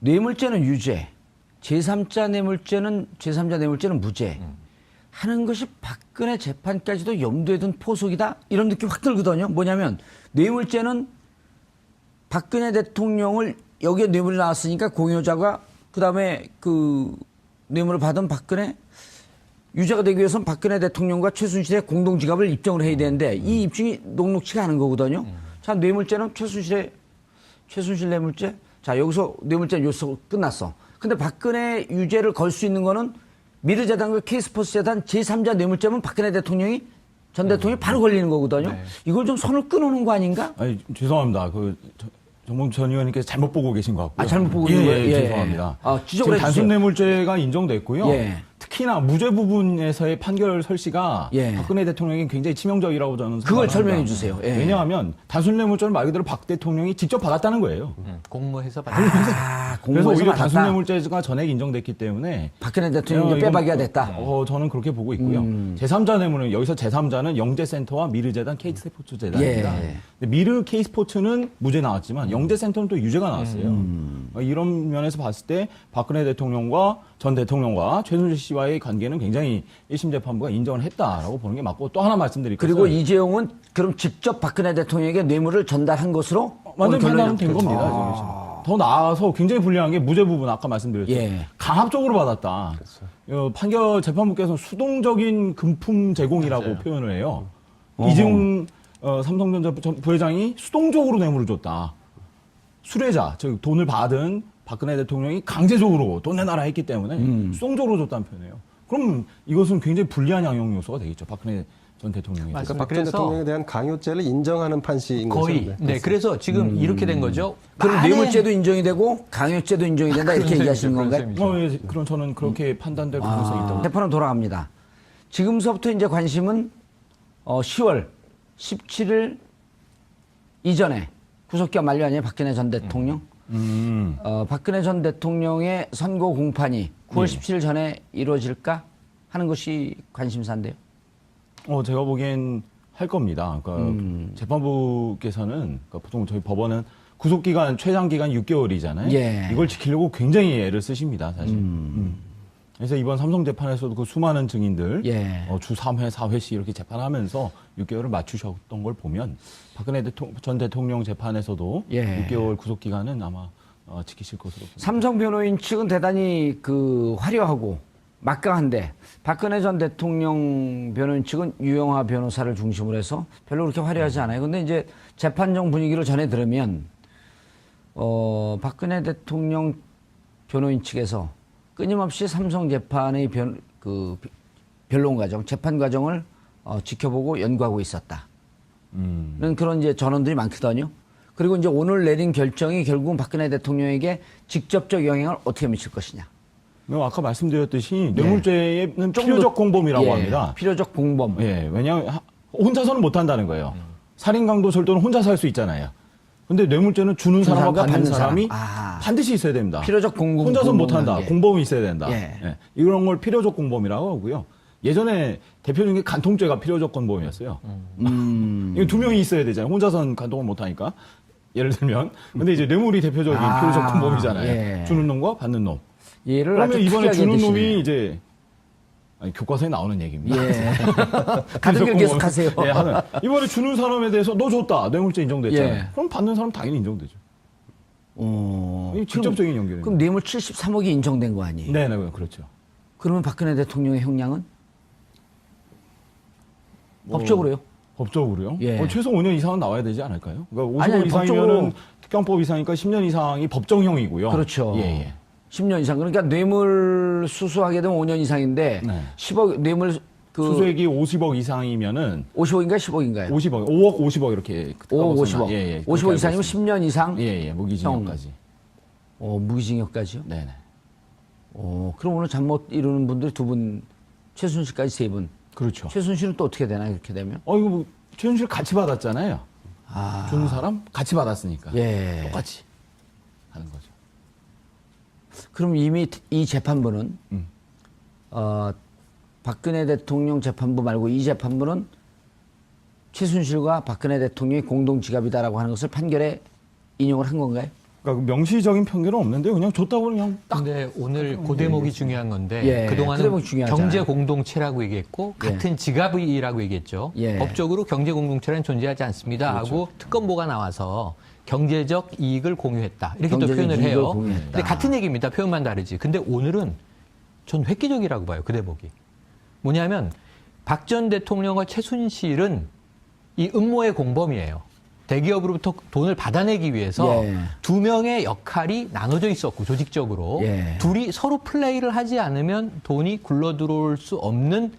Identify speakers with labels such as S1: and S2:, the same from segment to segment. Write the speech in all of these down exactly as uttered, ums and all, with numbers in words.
S1: 뇌물죄는 유죄, 제삼자 뇌물죄는 제삼자 뇌물죄는 무죄 음. 하는 것이 박근혜 재판까지도 염두에 둔 포석이다 이런 느낌 확 들거든요. 뭐냐면 뇌물죄는 박근혜 대통령을 여기에 뇌물이 나왔으니까 공여자가 그다음에 그 뇌물을 받은 박근혜 유죄가 되기 위해서는 박근혜 대통령과 최순실의 공동지갑을 입증을 해야 되는데 음. 이 입증이 녹록치가 않은 거거든요. 음. 자, 뇌물죄는 최순실의 최순실 뇌물죄. 자, 여기서 뇌물죄 요소 끝났어. 근데 박근혜 유죄를 걸 수 있는 거는 미르재단과 K스포츠 재단 제삼자 뇌물죄면 박근혜 대통령이 전 대통령이 바로 걸리는 거거든요. 네. 이걸 좀 선을 끊어놓은 거 아닌가?
S2: 아니, 죄송합니다. 그 정봉주 전 의원님께서 잘못 보고 계신 것 같고요.
S1: 아, 잘못 보고
S2: 예,
S1: 있는
S2: 예,
S1: 거예요?
S2: 예,
S1: 예.
S2: 죄송합니다.
S1: 아, 지적을
S2: 지금 단순 뇌물죄가 인정됐고요.
S1: 예.
S2: 특히나 무죄 부분에서의 판결 설시가
S1: 예.
S2: 박근혜 대통령이 굉장히 치명적이라고 저는
S1: 그걸
S2: 생각합니다.
S1: 설명해 주세요. 예.
S2: 왜냐하면 단순 뇌물죄는 말 그대로 박 대통령이 직접 받았다는 거예요.
S3: 음, 공모해서 받았다.
S1: 아,
S2: 그래서 오히려
S1: 받았다.
S2: 단순 뇌물죄가 전액 인정됐기 때문에
S1: 박근혜 대통령이 빼박이가 됐다.
S2: 어, 저는 그렇게 보고 있고요.
S1: 음.
S2: 제삼자 뇌물은 여기서 제삼자는 영재센터와 미르재단 K스포츠 재단입니다.
S1: 예.
S2: 미르 K스포츠는 무죄 나왔지만 영재센터는 또 유죄가 나왔어요.
S1: 음.
S2: 이런 면에서 봤을 때 박근혜 대통령과 전 대통령과 최순실 씨와의 관계는 굉장히 일 심 재판부가 인정을 했다라고 보는 게 맞고 또 하나 말씀드릴 것은
S1: 그리고 이재용은 그럼 직접 박근혜 대통령에게 뇌물을 전달한 것으로
S2: 완전
S1: 오늘
S2: 판단은
S1: 결론이
S2: 된 겁니다.
S1: 아.
S2: 지금. 더 나아가서 굉장히 불리한 게 무죄 부분 아까 말씀드렸죠.
S1: 예.
S2: 강압적으로 받았다. 어, 판결 재판부께서는 수동적인 금품 제공이라고
S3: 맞아요.
S2: 표현을 해요.
S1: 어허.
S2: 이재용 어, 삼성전자 부회장이 수동적으로 뇌물을 줬다. 수뢰자, 즉 돈을 받은 박근혜 대통령이 강제적으로 돈 내놔라 했기 때문에
S1: 음.
S2: 수동적으로 줬다는 표현이에요. 그럼 이것은 굉장히 불리한 양형 요소가 되겠죠. 박근혜 전 대통령에 대해서.
S4: 그러니까 박 전 대통령에 대한 강요죄를 인정하는 판시인 거죠.
S3: 거의. 네, 그래서 지금 이렇게 된 거죠.
S1: 그럼
S3: 만에-
S1: 뇌물죄도 인정이 되고 강요죄도 인정이 된다 이렇게
S3: 그런
S1: 얘기하시는
S3: 셈이죠,
S1: 건가요?
S3: 그런
S2: 어, 예, 그럼 저는 그렇게 판단될 가능성이
S1: 아,
S2: 있다고.
S1: 재판은 돌아갑니다. 지금서부터 이제 관심은 어, 시월 십칠일 이전에 구속기간 만료 아니에요? 박근혜 전 대통령.
S2: 음.
S1: 어, 박근혜 전 대통령의 선고 공판이 구월
S2: 예.
S1: 십칠일 전에 이루어질까 하는 것이 관심사인데요.
S2: 어, 제가 보기엔 할 겁니다. 그러니까
S1: 음.
S2: 재판부께서는 그러니까 보통 저희 법원은 구속 기간 최장 기간 육 개월이잖아요.
S1: 예.
S2: 이걸 지키려고 굉장히 애를 쓰십니다, 사실.
S1: 음.
S2: 음. 그래서 이번 삼성 재판에서도 그 수많은 증인들
S1: 예.
S2: 어, 주 삼 회, 사 회씩 이렇게 재판하면서 육 개월을 맞추셨던 걸 보면 박근혜 대통, 전 대통령 재판에서도
S1: 예.
S2: 육 개월 구속 기간은 아마 어, 지키실 것으로 봅니다.
S1: 삼성 변호인 측은 대단히 그 화려하고 막강한데 박근혜 전 대통령 변호인 측은 유영하 변호사를 중심으로 해서 별로 그렇게 화려하지 않아요. 근데 이제 재판정 분위기를 전해 들으면 어, 박근혜 대통령 변호인 측에서 끊임없이 삼성 재판의 변, 그 변론 과정, 재판 과정을 어, 지켜보고 연구하고 있었다.
S2: 음.
S1: 는 그런 이제 전원들이 많거든요. 그리고 이제 오늘 내린 결정이 결국은 박근혜 대통령에게 직접적 영향을 어떻게 미칠 것이냐.
S2: 뭐 아까 말씀드렸듯이 뇌물죄는
S1: 좀
S2: 필요적
S1: 더-
S2: 공범이라고
S1: 예,
S2: 합니다.
S1: 필요적 공범.
S2: 예, 왜냐하면 하- 혼자서는 못 한다는 거예요. 살인 강도 절도는 혼자서 할 수 있잖아요. 근데 뇌물죄는 주는 사람과
S1: 사람과
S2: 받는
S1: 받는
S2: 사람이
S1: 사람. 아.
S2: 반드시 있어야 됩니다.
S1: 필요적 공범.
S2: 혼자서는 못 한다.
S1: 공범관계.
S2: 공범이 있어야 된다.
S1: 예.
S2: 예. 이런 걸 필요적 공범이라고 하고요. 예전에 대표적인 게 간통죄가 필요적 공범이었어요.
S1: 음.
S2: 이거 두 명이 있어야 되잖아요. 혼자서는 간통을 못 하니까. 예를 들면. 근데 이제 뇌물이 대표적인
S1: 아,
S2: 필요적 공범이잖아요.
S1: 예.
S2: 주는 놈과 받는 놈.
S1: 얘를
S2: 그러면
S1: 아주
S2: 이번에
S1: 특이하게
S2: 주는
S1: 드시네.
S2: 놈이 이제 아니, 교과서에 나오는 얘기입니다.
S1: 예. 가득 길 계속 하세요.
S2: 예, 하는. 이번에 주는 사람에 대해서 너 줬다. 뇌물죄 인정됐잖아요.
S1: 예.
S2: 그럼 받는 사람 당연히 인정되죠.
S1: 어.
S2: 이게 직접적인 연결이에요.
S1: 그럼 뇌물 칠십삼억이 인정된 거 아니에요?
S2: 네, 네, 그렇죠.
S1: 그러면 박근혜 대통령의 형량은?
S2: 뭐,
S1: 법적으로요?
S2: 법적으로요?
S1: 예.
S2: 어, 최소 오 년 이상은 나와야 되지 않을까요? 그러니까
S1: 아니,
S2: 오십억
S1: 아니,
S2: 이상이면은
S1: 법적으로-
S2: 특경법 이상이니까 십 년 이상이 법정형이고요.
S1: 그렇죠.
S2: 예, 예.
S1: 십 년 이상. 그러니까 뇌물 수수하게 되면 오 년 이상인데
S2: 네.
S1: 십억 뇌물 그
S2: 수수액이 오십억 이상이면은
S1: 오십억인가 십억인가요?
S2: 오십억, 오억 오십억 이렇게.
S1: 오억
S2: 깎아서
S1: 오십억.
S2: 예, 예. 그렇게
S1: 오십억
S2: 알고
S1: 이상이면
S2: 있습니다.
S1: 십 년 이상?
S2: 예, 예. 무기징역까지.
S1: 어, 무기징역까지요?
S2: 네, 네.
S1: 어, 그럼 오늘 잠 못 이루는 분들이 두 분, 최순실까지 세 분.
S2: 그렇죠.
S1: 최순실은 또 어떻게 되나, 이렇게 되면?
S2: 어, 이거 뭐, 최순실 같이 받았잖아요.
S1: 아.
S2: 주는 사람 같이 받았으니까.
S1: 예.
S2: 똑같이 하는 거죠.
S1: 그럼 이미 이 재판부는,
S2: 음.
S1: 어, 박근혜 대통령 재판부 말고 이 재판부는 최순실과 박근혜 대통령이 공동 지갑이다라고 하는 것을 판결에 인용을 한 건가요?
S2: 그러니까 명시적인 편견은 없는데 그냥 줬다고 그냥 딱.
S3: 근데 오늘 그 대목이 중요한 건데
S1: 예, 그
S3: 그동안은
S1: 대목이 중요하잖아요.
S3: 경제 공동체라고 얘기했고
S1: 예.
S3: 같은 지갑이라고 얘기했죠.
S1: 예.
S3: 법적으로 경제 공동체는 존재하지 않습니다 하고 특검보가 나와서 경제적 이익을 공유했다 이렇게 또
S1: 경제적
S3: 표현을
S1: 이익을
S3: 해요.
S1: 공유했다.
S3: 근데 같은 얘기입니다. 표현만 다르지. 근데 오늘은 전 획기적이라고 봐요. 그 대목이. 뭐냐면 박 전 대통령과 최순실은 이 음모의 공범이에요. 대기업으로부터 돈을 받아내기 위해서
S1: 예.
S3: 두 명의 역할이 나눠져 있었고 조직적으로
S1: 예.
S3: 둘이 서로 플레이를 하지 않으면 돈이 굴러 들어올 수 없는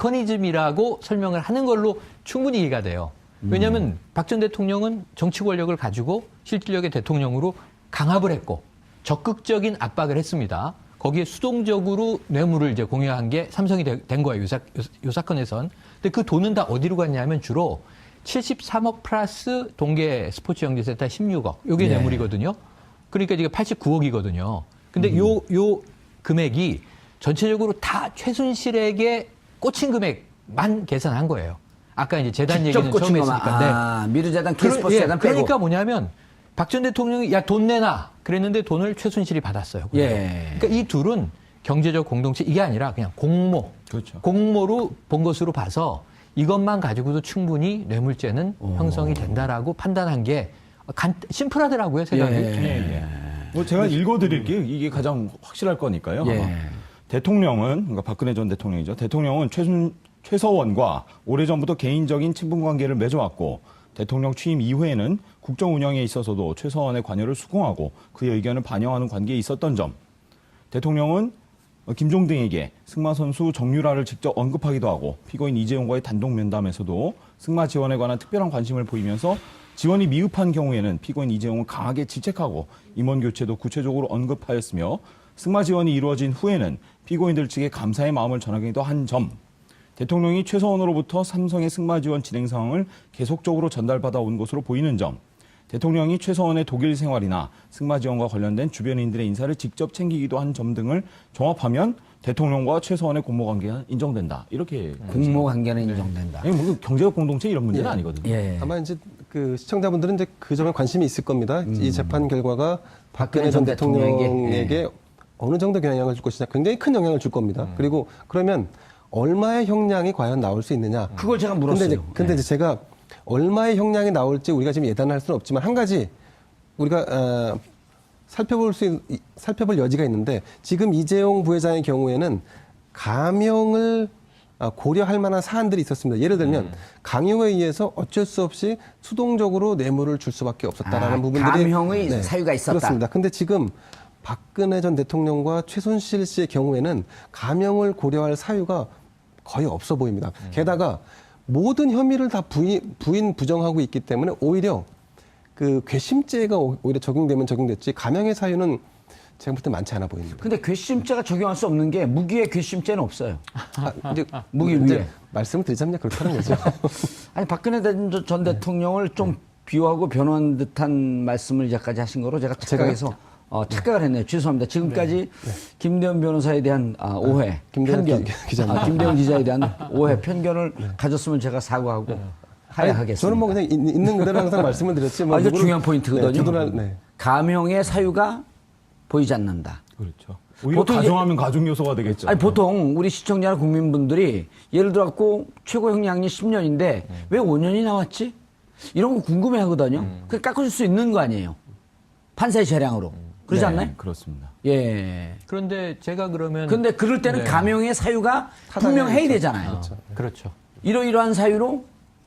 S3: 메커니즘이라고 설명을 하는 걸로 충분히 이해가 돼요. 왜냐하면 음. 박 전 대통령은 정치 권력을 가지고 실질력의 대통령으로 강압을 했고 적극적인 압박을 했습니다. 거기에 수동적으로 뇌물을 이제 공유한 게 삼성이 되, 된 거예요. 요, 사, 요, 요 사건에선. 근데 그 돈은 다 어디로 갔냐면 주로 칠십삼억 플러스 동계 스포츠 영재센터 십육억. 요게
S1: 네.
S3: 뇌물이거든요. 그러니까 이게 팔십구억이거든요. 근데 요, 요 금액이 전체적으로 다 최순실에게 꽂힌 금액만 계산한 거예요. 아까 이제 재단
S1: 직접
S3: 얘기는
S1: 꽂힌
S3: 처음에
S1: 것만.
S3: 했으니까. 네.
S1: 아, 미르재단,
S3: 그러-
S1: 케이스포츠
S3: 예,
S1: 재단 빼고.
S3: 그러니까 뭐냐면 박 전 대통령이 야 돈 내놔 그랬는데 돈을 최순실이 받았어요.
S1: 예.
S3: 그러니까 이 둘은 경제적 공동체 이게 아니라 그냥 공모,
S2: 그렇죠.
S3: 공모로 본 것으로 봐서 이것만 가지고도 충분히 뇌물죄는 형성이 된다라고 판단한 게 간, 심플하더라고요 생각이.
S1: 예.
S2: 예, 예. 뭐 제가 읽어드릴게요. 이게 가장 확실할 거니까요.
S1: 예.
S2: 아마. 대통령은 그러니까 박근혜 전 대통령이죠. 대통령은 최순 최서원과 오래전부터 개인적인 친분 관계를 맺어왔고 대통령 취임 이후에는 국정 운영에 있어서도 최서원의 관여를 수긍하고 그의 의견을 반영하는 관계에 있었던 점. 대통령은 김종 등에게 승마 선수 정유라를 직접 언급하기도 하고 피고인 이재용과의 단독 면담에서도 승마 지원에 관한 특별한 관심을 보이면서 지원이 미흡한 경우에는 피고인 이재용을 강하게 질책하고 임원 교체도 구체적으로 언급하였으며 승마 지원이 이루어진 후에는 피고인들 측에 감사의 마음을 전하기도 한 점. 대통령이 최서원으로부터 삼성의 승마 지원 진행 상황을 계속적으로 전달받아 온 것으로 보이는 점. 대통령이 최서원의 독일 생활이나 승마 지원과 관련된 주변인들의 인사를 직접 챙기기도 한 점 등을 종합하면 대통령과 최서원의 공모 관계가 인정된다. 이렇게
S1: 공모 관계는 인정된다.
S2: 아니, 뭐 경제적 공동체 이런 문제는
S4: 예.
S2: 아니거든요.
S1: 예.
S4: 아마 이제 그 시청자분들은 이제 그 점에 관심이 있을 겁니다.
S1: 음.
S4: 이 재판 결과가
S1: 박근혜
S4: 박근혜 전
S1: 전 대통령에게,
S4: 대통령에게 어느 정도 영향을 줄 것이냐, 굉장히 큰 영향을 줄 겁니다. 그리고 그러면 얼마의 형량이 과연 나올 수 있느냐?
S1: 그걸 제가 물었어요.
S4: 근데 이제, 근데
S1: 네.
S4: 이제 제가 얼마의 형량이 나올지 우리가 지금 예단할 수는 없지만 한 가지 우리가 어, 살펴볼 수 있, 살펴볼 여지가 있는데 지금 이재용 부회장의 경우에는 감형을 아, 고려할 만한 사안들이 있었습니다. 예를 들면 강요에 의해서 어쩔 수 없이 수동적으로 뇌물을 줄 수밖에 없었다라는
S1: 아,
S4: 부분들이 네,
S1: 감형의 사유가 있었다.
S4: 그렇습니다. 근데 지금 박근혜 전 대통령과 최순실 씨의 경우에는 감형을 고려할 사유가 거의 없어 보입니다. 게다가 모든 혐의를 다 부인, 부인 부정하고 있기 때문에 오히려 그 괘씸죄가 오히려 적용되면 적용됐지 감형의 사유는 제가 볼 때 많지 않아 보입니다.
S1: 근데 괘씸죄가 적용할 수 없는 게 무기의 괘씸죄는 없어요.
S4: 아, 이제
S1: 무기
S4: 이제
S1: 위에.
S4: 말씀을 드리자면 그렇다는 거죠.
S1: 아니 박근혜 전- 전 대통령을 좀 비호하고 변호한 듯한 말씀을 이제까지 하신 거로 제가 착각해서 어, 착각을 했네요. 죄송합니다. 지금까지 김대현 변호사에 대한 아, 오해,
S4: 김대현
S1: 편견,
S4: 기- 기자님.
S1: 아, 김대현 기자에 대한 오해, 편견을 가졌으면 제가 사과하고 하야하겠습니다.
S4: 저는 뭐 그냥 있- 있는 그대로 항상 말씀을 드렸지. 뭐
S1: 아, 이거
S4: 누구를-
S1: 중요한 포인트거든요.
S4: 네, 두둔할- 네.
S1: 감형의 사유가 보이지 않는다.
S2: 그렇죠. 오히려
S1: 보통 이제-
S2: 가정하면 가중 요소가 되겠죠.
S1: 아니 보통 우리 시청자나 국민분들이 예를 들어 갖고 최고 형량이 십 년인데 왜 오 년이 나왔지? 이런 거 궁금해 하거든요. 그 깎아줄 수 있는 거 아니에요. 판사의 재량으로. 그러지
S2: 네,
S1: 않나요?
S2: 그렇습니다.
S1: 예.
S3: 그런데 제가 그러면
S1: 근데 그럴 때는
S3: 네.
S1: 감형의 사유가 분명해야 되잖아요.
S3: 그렇죠.
S1: 이러이러한 사유로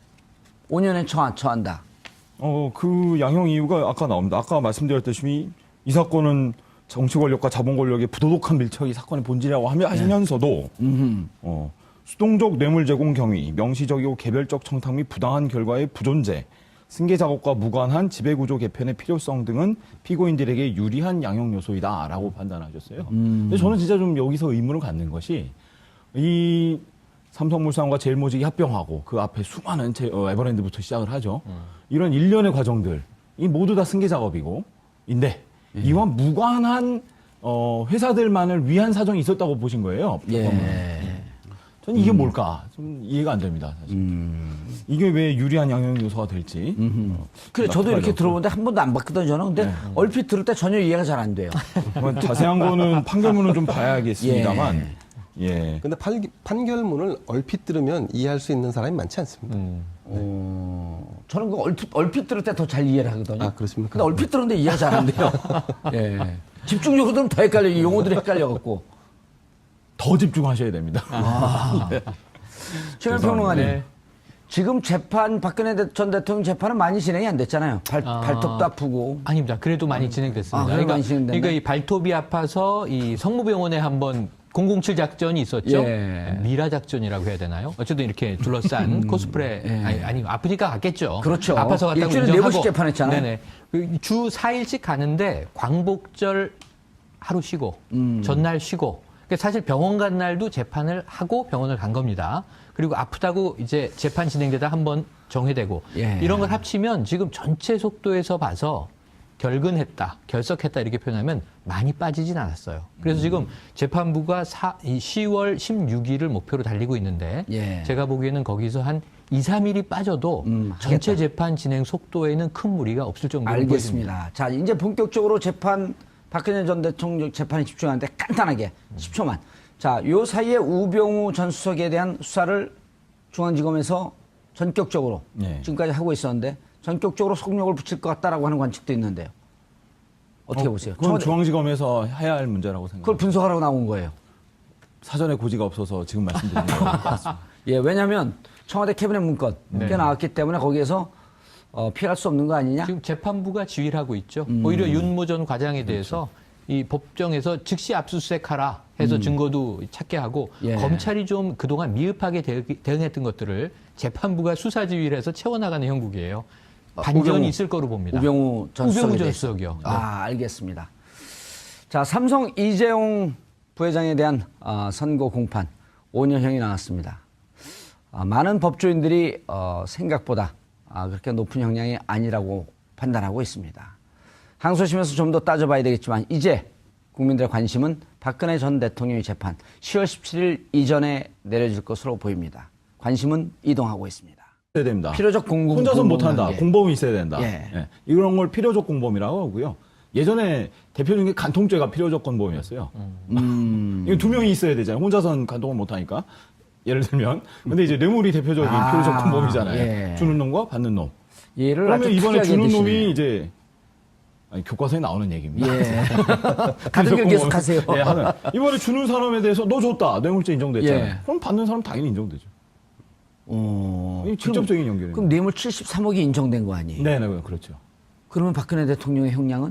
S1: 오 년에 처, 처한다.
S2: 어, 그 양형 이유가 아까 나옵니다. 아까 말씀드렸듯이 이 사건은 정치 권력과 자본 권력의 부도덕한 밀착이 사건의 본질이라고 하며 하시면서도 어, 수동적 뇌물 제공 경위, 명시적이고 개별적 청탁 및 부당한 결과의 부존재, 승계 작업과 무관한 지배구조 개편의 필요성 등은 피고인들에게 유리한 양형 요소이다라고 판단하셨어요. 근데 저는 진짜 좀 여기서 의문을 갖는 것이 이 삼성물산과 제일모직이 합병하고 그 앞에 수많은 제, 어, 에버랜드부터 시작을 하죠. 이런 일련의 과정들, 이 모두 다 승계 작업이고, 인데 이와 무관한 어, 회사들만을 위한 사정이 있었다고 보신 거예요.
S1: 예.
S2: 저는 이게 뭘까 좀 이해가 안 됩니다. 사실.
S1: 음.
S2: 이게 왜 유리한 양형 요소가 될지. 어,
S1: 그래 저도 이렇게
S2: 납득하려고.
S1: 들어보는데 한 번도 안 봤거든요 저는. 근데 얼핏 들을 때 전혀 이해가 잘 안 돼요.
S2: 뭐 자세한 거는 판결문을 좀 봐야겠습니다만. 예.
S4: 근데 판, 판결문을 얼핏 들으면 이해할 수 있는 사람이 많지 않습니다.
S3: 음.
S1: 어, 저는 그 얼핏, 얼핏 들을 때 더 잘 이해를 하거든요.
S4: 아, 그렇습니까?
S1: 근데 얼핏 들었는데 이해가 잘 안 돼요. 예. 집중적으로 들으면 더 헷갈려요. 이 용어들이 헷갈려갖고.
S2: 더 집중하셔야 됩니다.
S1: 최근
S2: 죄송합니다.
S1: 평론가님.
S3: 네.
S1: 지금 재판, 박근혜 대- 전 대통령 재판은 많이 진행이 안 됐잖아요. 발,
S3: 아.
S1: 발톱도 아프고.
S3: 아닙니다. 그래도 많이 진행됐습니다.
S1: 아, 그래도
S3: 그러니까,
S1: 많이 진행됐나요?
S3: 그러니까 이 발톱이 아파서 이 성모병원에 한번 공공칠 작전이 있었죠.
S1: 예.
S3: 미라 작전이라고 해야 되나요? 어쨌든 이렇게 둘러싼 코스프레 아니, 아니 아프니까 갔겠죠.
S1: 그렇죠.
S3: 아파서 갔다고
S1: 일주일에
S3: 인정하고.
S1: 네 번씩 재판했잖아요.
S3: 네네. 그주 사 일씩 가는데 광복절 하루 쉬고
S1: 음.
S3: 전날 쉬고. 그러니까 사실 병원 간 날도 재판을 하고 병원을 간 겁니다. 그리고 아프다고 이제 재판 진행되다 한번 정회되고
S1: 예.
S3: 이런 걸 합치면 지금 전체 속도에서 봐서 결근했다, 결석했다 이렇게 표현하면 많이 빠지진 않았어요. 그래서 지금 재판부가 사, 이 시월 십육일을 목표로 달리고 있는데
S1: 예.
S3: 제가 보기에는 거기서 한 이, 삼 일이 빠져도
S1: 음,
S3: 전체
S1: 하겠다.
S3: 재판 진행 속도에는 큰 무리가 없을 정도로 보여집니다.
S1: 알겠습니다. 자, 이제 본격적으로 재판, 박근혜 전 대통령 재판에 집중하는데 간단하게 십 초만. 자, 요 사이에 우병우 전 수석에 대한 수사를 중앙지검에서 전격적으로
S2: 네.
S1: 지금까지 하고 있었는데 전격적으로 속력을 붙일 것 같다라고 하는 관측도 있는데요. 어떻게
S2: 어,
S1: 보세요?
S2: 그건
S1: 청와대-
S2: 중앙지검에서 해야 할 문제라고 생각합니다.
S1: 그걸 분석하라고 나온 거예요.
S2: 사전에 고지가 없어서 지금 말씀드리는 거예요.
S1: 예, 왜냐하면 청와대 캐비넷 문건
S3: 네.
S1: 꽤 나왔기 때문에 거기에서 어, 피할 수 없는 거 아니냐?
S3: 지금 재판부가 지휘를 하고 있죠.
S1: 음.
S3: 오히려 윤모 전 과장에
S1: 그렇죠.
S3: 대해서 이 법정에서 즉시 압수수색하라 해서 증거도 찾게 하고
S1: 음. 예.
S3: 검찰이 좀 그동안 미흡하게 대- 대응했던 것들을 재판부가 수사 지휘를 해서 채워나가는 형국이에요. 반전이
S1: 우병우,
S3: 있을 거로 봅니다.
S1: 우병우 전
S3: 우병우
S1: 수석에
S3: 전
S1: 대해서.
S3: 수석이요.
S1: 아, 알겠습니다. 자, 삼성 이재용 부회장에 대한 어, 선고 공판 오 년형이 나왔습니다. 아, 많은 법조인들이 어, 생각보다 아, 그렇게 높은 형량이 아니라고 판단하고 있습니다. 항소심에서 좀 더 따져봐야 되겠지만 이제 국민들의 관심은 박근혜 전 대통령의 재판 시월 십칠일 이전에 내려질 것으로 보입니다. 관심은 이동하고 있습니다.
S2: 있어야 됩니다.
S1: 필요적 공범
S2: 혼자서
S1: 공범
S2: 못한다.
S1: 관계.
S2: 공범이 있어야 된다.
S1: 예.
S2: 예. 이런 걸 필요적 공범이라고 하고요. 예전에 대표적인 게 간통죄가 필요적 공범이었어요.
S1: 음.
S2: 이거 두 명이 있어야 되잖아요. 혼자서는 간통을 못하니까. 예를 들면. 근데 이제 뇌물이 대표적인
S1: 아,
S2: 필요적 공범이잖아요.
S1: 예.
S2: 주는 놈과 받는 놈.
S1: 얘를 아주
S2: 그러면 이번에
S1: 특이하게
S2: 주는
S1: 드시네.
S2: 놈이 이제 아니, 교과서에 나오는 얘기입니다.
S1: 예. 같은 길 계속 하세요.
S2: 예, 하는. 이번에 주는 사람에 대해서 너 줬다. 뇌물죄 인정됐잖아요.
S1: 예.
S2: 그럼 받는 사람 당연히 인정되죠.
S1: 어,
S2: 이게 직접적인
S1: 그럼,
S2: 연결입니다.
S1: 그럼 뇌물 칠십삼억이 인정된 거 아니에요?
S2: 네, 네, 그렇죠.
S1: 그러면 박근혜 대통령의 형량은?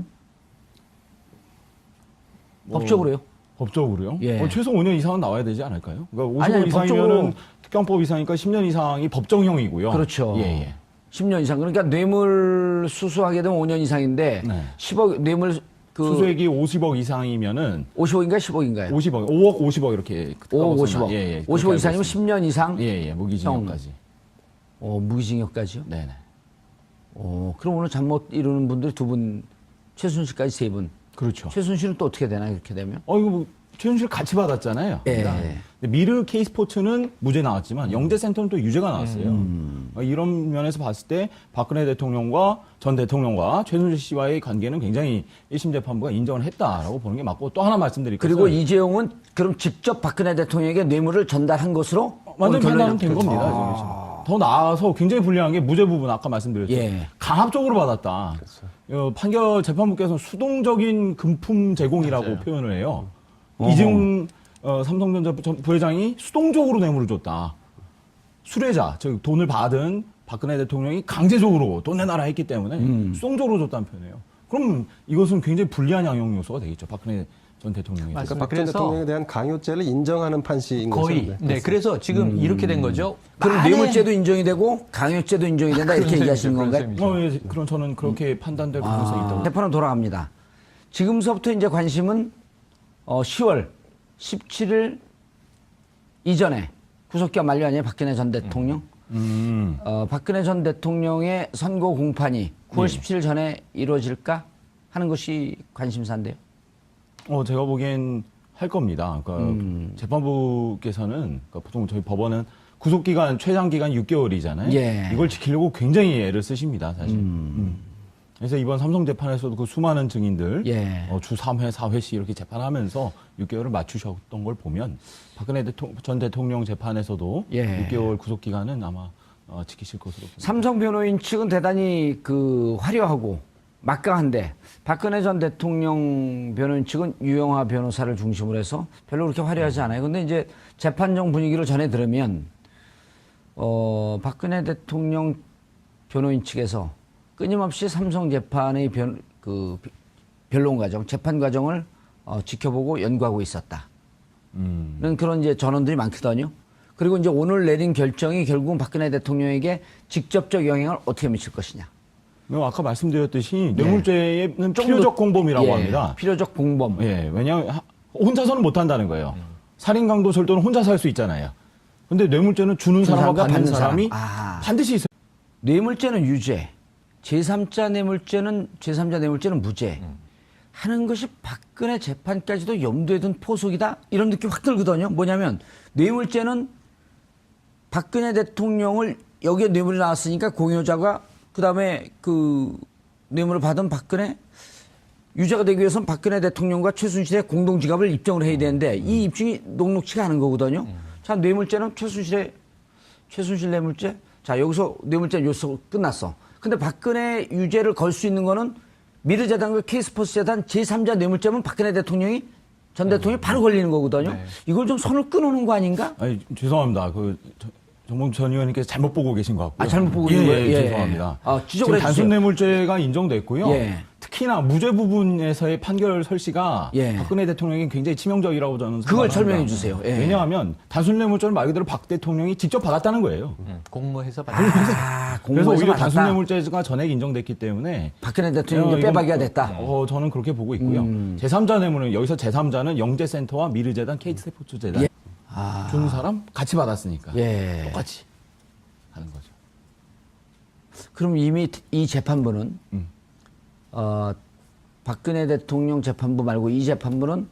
S2: 뭐,
S1: 법적으로요?
S2: 법적으로요?
S1: 예.
S2: 어, 최소 오 년 이상은 나와야 되지 않을까요? 그러니까
S1: 아니,
S2: 오십오
S1: 아니,
S2: 이상이면은
S1: 법적으로-
S2: 특경법 이상이니까 십 년 이상이 법정형이고요.
S1: 그렇죠.
S2: 예, 예.
S1: 십 년 이상. 그러니까 뇌물 수수하게 되면 오 년 이상인데
S2: 네.
S1: 십억 뇌물 그
S2: 수수액이 오십억 이상이면은
S1: 오십억인가요? 십억인가요?
S2: 오십억, 오억 오십억 이렇게
S1: 오억
S2: 까먹었나?
S1: 오십억.
S2: 예, 예.
S1: 오십억
S2: 그렇게
S1: 이상이면
S2: 알고
S1: 십 년 이상?
S2: 있습니다. 예, 예. 무기징역까지.
S1: 어, 무기징역까지요?
S2: 네, 네.
S1: 어, 그럼 오늘 잠 못 이루는 분들이 두 분, 최순실까지 세 분.
S2: 그렇죠.
S1: 최순실은 또 어떻게 되나요? 그렇게 되면?
S2: 어, 이거 뭐 최순실 같이 받았잖아요.
S1: 예.
S2: 그러니까 근데 미르 K스포츠는 무죄 나왔지만 영재센터는 또 유죄가 나왔어요.
S1: 음.
S2: 어, 이런 면에서 봤을 때 박근혜 대통령과 전 대통령과 최순실 씨와의 관계는 굉장히 일 심 재판부가 인정을 했다라고 보는 게 맞고 또 하나 말씀드릴 것은
S1: 그리고 이재용은 그럼 직접 박근혜 대통령에게 뇌물을 전달한 것으로
S2: 완전
S1: 오늘
S2: 판단은
S1: 결론이
S2: 된
S1: 났겠죠.
S2: 겁니다.
S1: 아.
S2: 지금. 더 나아서 굉장히 불리한 게 무죄 부분 아까 말씀드렸죠.
S1: 예.
S2: 강압적으로 받았다. 어, 판결 재판부께서는 수동적인 금품 제공이라고
S3: 맞아요.
S2: 표현을 해요.
S1: 어허.
S2: 이재용 어, 삼성전자 전- 부회장이 수동적으로 뇌물을 줬다. 수뢰자, 즉 돈을 받은 박근혜 대통령이 강제적으로 돈 내놔라 했기 때문에
S1: 음.
S2: 수동적으로 줬다는 표현이에요. 그럼 이것은 굉장히 불리한 양형 요소가 되겠죠. 박근혜 전 대통령에 대해서.
S3: 맞습니다.
S4: 그러니까 박근혜
S3: 그래서
S4: 대통령에 대한 강요죄를 인정하는 판시인 거죠.
S3: 거의.
S4: 네.
S3: 네, 그래서 지금 이렇게 된 거죠.
S1: 그럼
S3: 만에-
S1: 뇌물죄도 인정이 되고 강요죄도 인정이 된다 이렇게
S3: 그런
S1: 얘기하시는
S3: 셈이죠,
S1: 건가요?
S3: 그런
S2: 어, 예, 그럼 저는 그렇게 판단될
S1: 아.
S2: 가능성이 있다고.
S1: 재판은 돌아갑니다. 지금서부터 이제 관심은 어, 시월 십칠일 이전에 구속기가 만료 아니에요? 박근혜 전 대통령.
S2: 음.
S1: 어, 박근혜 전 대통령의 선고 공판이 구월
S2: 네.
S1: 십칠일 전에 이루어질까 하는 것이 관심사인데요.
S2: 어, 제가 보기엔 할 겁니다. 그러니까
S1: 음.
S2: 재판부께서는 그러니까 보통 저희 법원은 구속 기간 최장 기간 육 개월이잖아요.
S1: 예.
S2: 이걸 지키려고 굉장히 애를 쓰십니다, 사실. 음. 그래서 이번 삼성 재판에서도 그 수많은 증인들
S1: 예.
S2: 어, 주 삼 회, 사 회씩 이렇게 재판하면서 육 개월을 맞추셨던 걸 보면 박근혜 대통령, 전 대통령 재판에서도
S1: 예.
S2: 육 개월 구속 기간은 아마 어, 지키실 것으로 봅니다.
S1: 삼성 변호인 측은 대단히 그 화려하고 막강한데 박근혜 전 대통령 변호인 측은 유영하 변호사를 중심으로 해서 별로 그렇게 화려하지 않아요. 근데 이제 재판정 분위기를 전해 들으면 어, 박근혜 대통령 변호인 측에서 끊임없이 삼성 재판의 변, 그 변론 과정, 재판 과정을 어, 지켜보고 연구하고 있었다.
S2: 음.
S1: 는 그런 이제 전원들이 많거든요. 그리고 이제 오늘 내린 결정이 결국은 박근혜 대통령에게 직접적 영향을 어떻게 미칠 것이냐.
S2: 네, 아까 말씀드렸듯이
S1: 예.
S2: 뇌물죄는
S1: 좀
S2: 필요적
S1: 더-
S2: 공범이라고
S1: 예,
S2: 합니다.
S1: 필요적 공범.
S2: 예, 왜냐하면 하- 혼자서는 못한다는 거예요. 살인, 강도, 절도는 혼자서 할 수 있잖아요. 근데 뇌물죄는 주는 사람과
S1: 사람과
S2: 받는
S1: 받는
S2: 사람이
S1: 사람. 아.
S2: 반드시 있어요.
S1: 뇌물죄는 유죄, 제삼자 뇌물죄는 제삼자 뇌물죄는 무죄. 하는 것이 박근혜 재판까지도 염두에 둔 포석이다. 이런 느낌 확 들거든요. 뭐냐면 뇌물죄는 박근혜 대통령을 여기에 뇌물이 나왔으니까 공여자가 그다음에 그 뇌물을 받은 박근혜 유죄가 되기 위해서는 박근혜 대통령과 최순실의 공동 지갑을 입증을 해야 되는데 이 입증이 녹록치가 않은 거거든요. 자, 뇌물죄는 최순실의 최순실 뇌물죄. 자, 여기서 뇌물죄 요소 끝났어. 근데 박근혜 유죄를 걸 수 있는 거는 미르재단과 K스포츠 재단 제삼자 뇌물죄면 박근혜 대통령이 전 대통령이 바로 걸리는 거거든요.
S3: 네.
S1: 이걸 좀 선을 끊어놓은 거 아닌가?
S2: 아니, 죄송합니다. 그 저- 정봉주 전 의원님께서 잘못 보고 계신 것 같고요.
S1: 아, 잘못 보고
S2: 예,
S1: 있는
S2: 예,
S1: 거예요? 예.
S2: 죄송합니다.
S1: 아, 지적을
S2: 지금
S1: 해주세요.
S2: 단순 뇌물죄가 인정됐고요.
S1: 예.
S2: 특히나 무죄 부분에서의 판결 설시가
S1: 예.
S2: 박근혜 대통령이 굉장히 치명적이라고 저는
S1: 그걸
S2: 생각합니다.
S1: 설명해 주세요. 예.
S2: 왜냐하면 단순 뇌물죄는 말 그대로 박 대통령이 직접 받았다는 거예요.
S3: 음, 공모해서 받은
S1: 아,
S2: 그래서
S1: 공무원에서
S2: 오히려
S1: 받았다.
S2: 단순 뇌물죄가 전액 인정됐기 때문에
S1: 박근혜 대통령이
S2: 어,
S1: 빼박이가
S2: 이건,
S1: 됐다. 음.
S2: 어, 저는 그렇게 보고 있고요. 제삼자 뇌물은 여기서 제삼자는 영재센터와 미르재단, K스포츠재단
S1: 예. 아.
S2: 주는 사람 같이 받았으니까
S1: 예.
S2: 똑같이 하는 거죠.
S1: 그럼 이미 이 재판부는
S2: 음.
S1: 어, 박근혜 대통령 재판부 말고 이 재판부는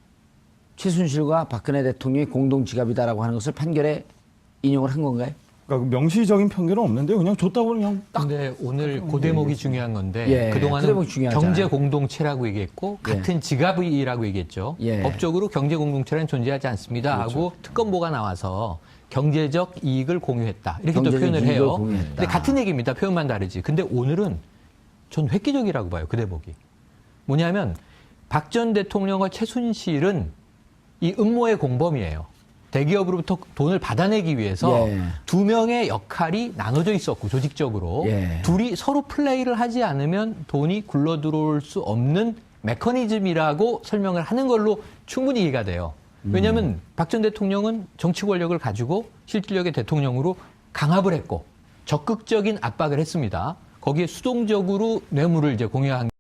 S1: 최순실과 박근혜 대통령이 공동 지갑이다라고 하는 것을 판결에 인용을 한 건가요?
S2: 그러니까 명시적인 편견은 없는데 그냥 줬다고 그냥 딱
S3: 근데 오늘 그 대목이 중요한 건데
S1: 예, 그
S3: 그동안은
S1: 대목이 중요하잖아요.
S3: 경제 공동체라고 얘기했고
S1: 예.
S3: 같은 지갑이라고 얘기했죠.
S1: 예.
S3: 법적으로 경제 공동체는 존재하지 않습니다 하고 특검보가 나와서 경제적 이익을 공유했다 이렇게 또
S1: 경제적
S3: 표현을
S1: 이익을
S3: 해요.
S1: 공유했다.
S3: 근데 같은 얘기입니다. 표현만 다르지. 근데 오늘은 전 획기적이라고 봐요. 그 대목이. 뭐냐면 박 전 대통령과 최순실은 이 음모의 공범이에요. 대기업으로부터 돈을 받아내기 위해서
S1: 예.
S3: 두 명의 역할이 나눠져 있었고 조직적으로
S1: 예.
S3: 둘이 서로 플레이를 하지 않으면 돈이 굴러 들어올 수 없는 메커니즘이라고 설명을 하는 걸로 충분히 이해가 돼요. 왜냐하면 박 전 대통령은 정치 권력을 가지고 실질력의 대통령으로 강압을 했고 적극적인 압박을 했습니다. 거기에 수동적으로 뇌물을 이제 공유한